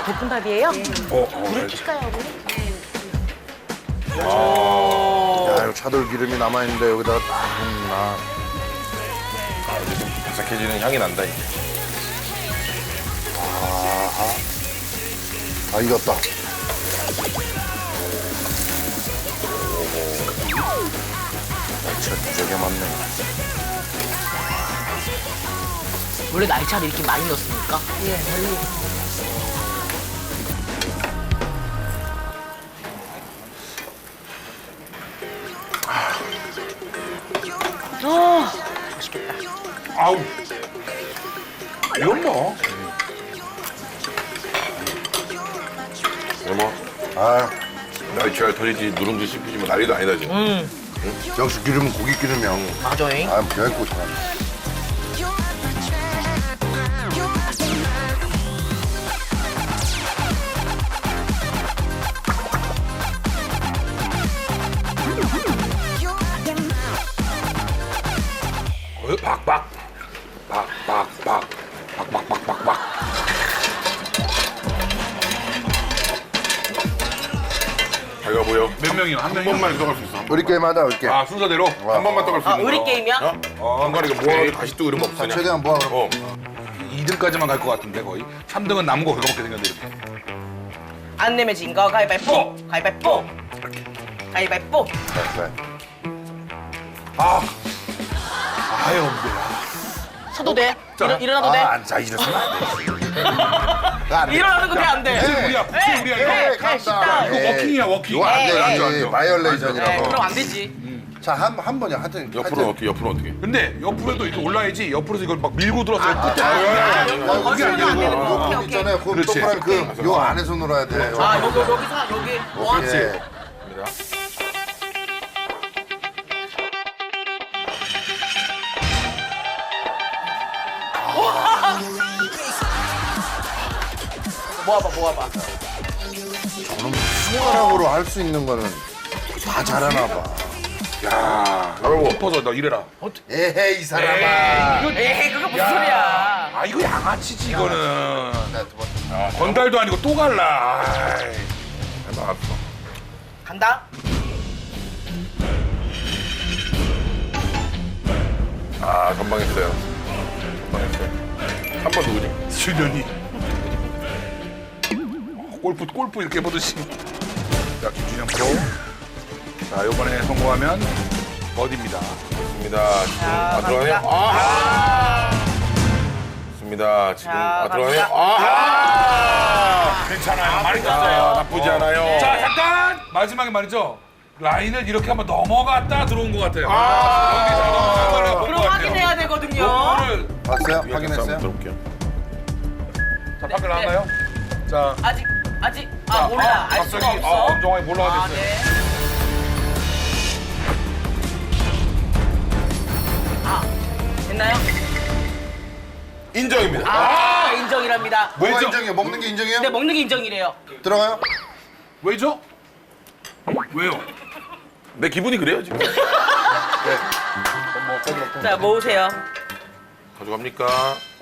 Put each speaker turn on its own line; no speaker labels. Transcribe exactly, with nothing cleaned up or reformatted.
볶음밥이에요?
어, 어,
불을 킬까요, 어머니?
아,
야, 이거 차돌 기름이 남아있는데 여기다가 딱 붓나.
아, 이제 좀 바삭해지는 향이 난다. 이제.
아, 익었다. 날치가 무지하게 많네.
원래 날차를 이렇게 많이 넣습니까? 예, 원래. 아, 맛있겠다.
아우. 이건 뭐? 뭐,
아,
날치알 터지지 누룽지 씹히지 뭐 난리도 아니다 지금.
음,
역시 기름은 고기 기름이야.
맞아요.
아, 얇고 잘하네.
어, 박박. 박박박. 박박박박박. 자기가 보여.
몇 명이요? 한
한
명이요?
번만 떠갈 수 있어. 한
우리 게임 하자, 우리 게임.
아 순서대로 한 번만 떠갈 수
아,
있는
우리
거.
게임이야?
어? 어, 중간에 이거 모아가지고 다시 또 이런 거 없으냐?
최대한 모아, 그럼.
어.
이 등까지만 갈 것 같은데 거의. 삼 등은 남은 거 그거밖에 생겼는데 이렇게.
안 내면 진 거 가위바위보! 가위바위보! 가위바위보!
그래.
아. 아유, 엄마.
서도 돼? 일어, 일어나도 돼?
아, 안, 자, 이랬으면 안 돼. 안 돼.
일어나는 거 돼, 안 돼?
네.
우리야, 국수
에,
우리야
에,
이거.
에,
간다.
식당.
이거 워킹이야, 워킹.
이거 안 돼,
에이,
안
에이.
돼.
에이.
네,
바이올레이션이라고.
그럼 안 되지.
자, 한, 한 번이야. 하여튼.
옆으로
하여튼.
어떻게 옆으로 어떻게?
근데 옆으로도 이렇게 올라야지. 옆으로서 이걸 막 밀고 들어서 끝에.
아,
아,
여기
거기서는 안 되는 거. 오케이,
요
오케이.
있잖아요. 그
그렇지.
동그란 그, 요 안에서 놀아야 돼.
아, 여기, 여기서, 여기. 원.
예.
입니다.
모아봐, 모아봐.
손가락으로 할 수 있는 거는 다 잘하나 봐.
야,
아이고.
엎어서 너 이래라.
에헤이, 이 사람아.
에이, 그거 무슨 소리야.
아, 이거 양아치지 이거는.
자, 두 번.
건달도 아니고 또 갈라. 아이.
해봐.
간다.
아 전방했어요. 전방했어요. 한 번 누구지?
수련이. 골프 골프 이렇게 보듯이. 자, 김준영 프로. 자, 이번에 성공하면 버디입니다.
좋습니다. 지금
자,
아 들어가네요.
갑니다.
아. 좋습니다. 지금
자,
아 들어가네요.
갑니다.
아.
괜찮아요. 많이
아,
땄어요.
나쁘지 않아요.
자, 잠깐 마지막에 말이죠. 라인을 이렇게 한번 넘어갔다 들어온 것 같아요.
아.
여기 잘 넘어간 걸 본것
그럼
같아요.
확인해야 되거든요.
요거를
봤어요?
한번
확인했어요?
들어볼게요.
자, 밖에 나왔나요? 자,
아직, 아직. 아,
자,
몰라. 알
갑자기
수가 없어.
아, 엄정하게 몰라가
아,
됐어요.
네. 아, 됐나요?
인정입니다.
아, 인정이랍니다.
뭐가
왜죠?
인정이에요? 먹는 게 인정이에요?
근데 먹는 게 인정이래요.
들어가요?
왜죠? 왜요?
내 기분이 그래요 지금.
자, 모으세요.
가져갑니까?